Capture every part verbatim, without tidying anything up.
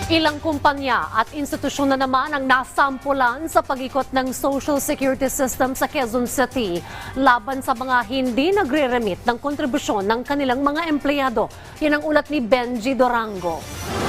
Ilang kumpanya at institusyon na naman ang nasampulan sa pag-ikot ng Social Security System sa Quezon City laban sa mga hindi nagre-remit ng kontribusyon ng kanilang mga empleyado. Yan ang ulat ni Benji Dorango.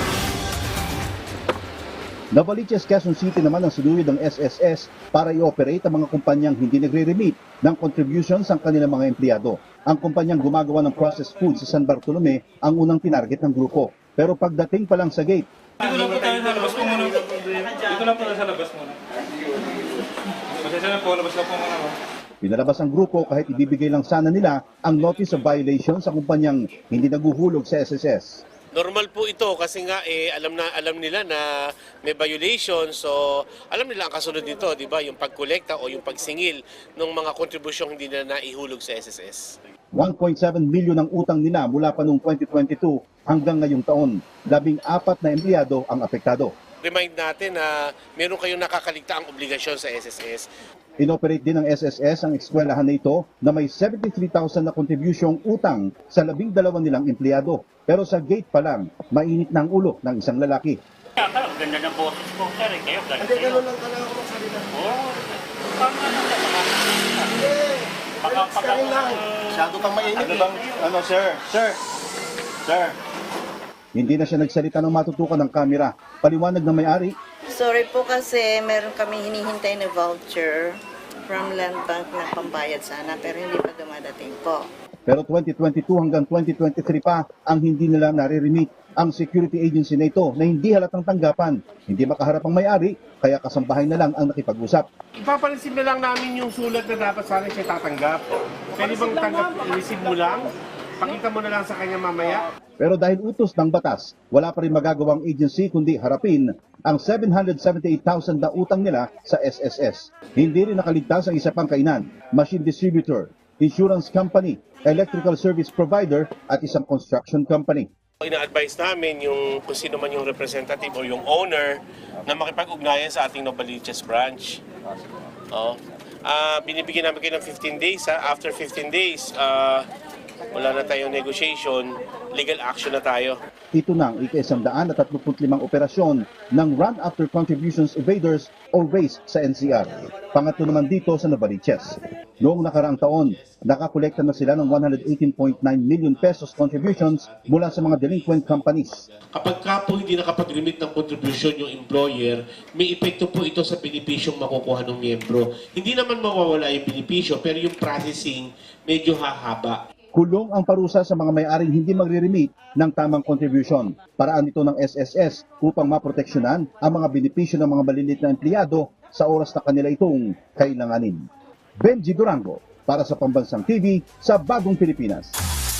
Novaliches, Quezon City naman ang sinuyod ng S S S para i-operate ang mga kumpanyang hindi nagre-remit ng contributions ang kanilang mga empleyado. Ang kumpanyang gumagawa ng processed food sa San Bartolome ang unang tinarget ng grupo. Pero pagdating pa lang sa gate, Dito lang po tayo sa labas po muna. Dito lang po tayo sa labas muna. Pasensya na po, labas lang po muna. pinalabas ang grupo kahit ibibigay lang sana nila ang notice of violation sa kumpanyang hindi naguhulog sa S S S. Normal po ito kasi nga eh, alam na alam nila na may violation, so alam nila ang kasunod nito, di ba? Yung pagkolekta o yung pagsingil ng mga kontribusyong hindi na naihulog sa S S S. one point seven milyon ang utang nila mula pa noong twenty twenty-two hanggang ngayong taon. Labing apat na empleyado ang apektado. Remind natin na meron kayong nakakaligta ang obligasyon sa S S S. Inoperate din ng S S S ang eskwelahan na ito na may seventy-three thousand na kontribusyong utang sa labing dalawa nilang empleyado. Pero sa gate pa lang, mainit na ang ulo ng isang lalaki. Akala, ganda ng boses ko, sir. Eh, kayo, ganda. Hindi, gano'n lang talaga ako magsalita. Oo. Paano naman ka? Hindi. Baka, Relax ka rin lang. Masyado kang mainit. Ano bang, ano sir? Sir? Sir? Hindi na siya nagsalita ng matutukan ng kamera. Paliwanag ng may-ari, Sorry po kasi meron kami hinihintay na voucher from Land Bank na pambayad sana pero hindi pa dumadating po. pero twenty twenty-two hanggang twenty twenty-three pa ang hindi nila nare-remit. Ang security agency na ito na hindi halatang tanggapan. Hindi makaharap ang may-ari, kaya kasambahay na lang ang nakipag-usap. Ipapansin na lang namin yung sulat na dapat sana siya tatanggap. Pwede bang tanggap, receive mo lang? Pakita mo na lang sa kanya mamaya. Pero dahil utos ng batas, wala pa rin magagawang agency kundi harapin ang seven hundred seventy-eight thousand na utang nila sa S S S. Hindi rin nakaligtas ang isa pang kainan, machine distributor, insurance company, electrical service provider at isang construction company. Ina-advise namin yung kung sino man yung representative o yung owner na makipag-ugnayan sa ating Novaliches branch. Oh. Ah, binibigyan namin kayo ng fifteen days. Ha? After fifteen days, ah, wala na tayong negotiation, legal action na tayo. Ito na ang ika-isang daan at tatluput limang operasyon ng Run After Contributions Evaders o RACE sa N C R. Pangatlo naman dito sa Novaliches. Noong nakaraang taon, nakakolekta na sila ng one hundred eighteen point nine million pesos contributions mula sa mga delinquent companies. Kapag ka po hindi nakapag-remit ng contribution yung employer, may epekto po ito sa benepisyong makukuha ng miyembro. Hindi naman mawawala yung benepisyo, pero yung processing medyo hahaba. Kulong ang parusa sa mga may-aring hindi magre-remit ng tamang contribution. Paraan ito ng S S S upang maproteksyonan ang mga benepisyo ng mga maliliit na empleyado sa oras na kanila itong kailanganin. Benji Durango para sa Pambansang T V sa Bagong Pilipinas.